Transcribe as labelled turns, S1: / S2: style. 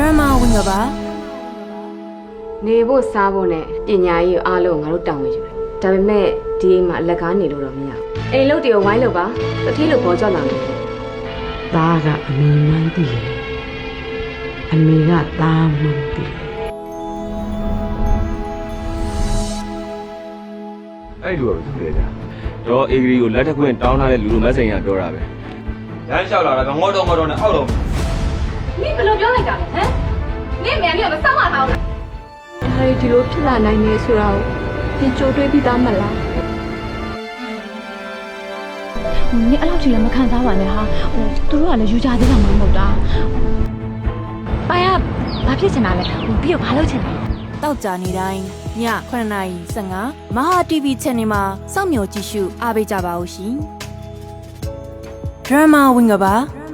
S1: Drama ဝင်ကပါ
S2: နေဖို့စားဖို့နဲ့ပညာရေးအားလုံးငါတို့တောင်းဝင်ယူတယ်ဒါပေမဲ့ဒီအိမ်မှာအလက်ကားနေလို့တော့မရဘူးအိမ်လုတ်တွေကိုဝိုင်းလို့ပါတတိလို့ပေါ်ကြလာတယ်
S3: သားကအမေမှန်းသိတယ်အမေကသားမှန်းသိတယ်
S4: အဲ့လိုပဲသူလေကြာတော့အေဂရီကိုလက်ထက်ခွင့်တောင်းထားတဲ့လူလိုမက်ဆေ့ချ်ကပြောတာပဲလမ်းလျှောက်လာတာကငေါတော့နဲ့အောက်တော့
S2: နင်ဘယ်လိုပြောလိုက်တာလဲဟမ်နင်မြန်မြန်မစောင့်ရအောင်လား
S5: ဒါဒီလိုဖြစ်လာနိုင်နေဆိုတာကိုသင်ကြိုတွေးပြီးသားမလား
S6: နင်အဲ့လောက်ထိလည်းမခံစားပါနဲ့ဟာသူတို့ကလည်းယူကြသေးတာမှမဟုတ်တာပိုင်ကဘာဖြစ်ချင်တာလဲပြီးတော့ဘာလုပ်ချင်တာလဲ
S1: တောက်ကြနေတိုင်းည9:15မဟာ TV Channel မှာစောင့်မျှော်ကြည့်ရှုအားပေးကြပါဦးရှင် Drama ဝင်ကပါ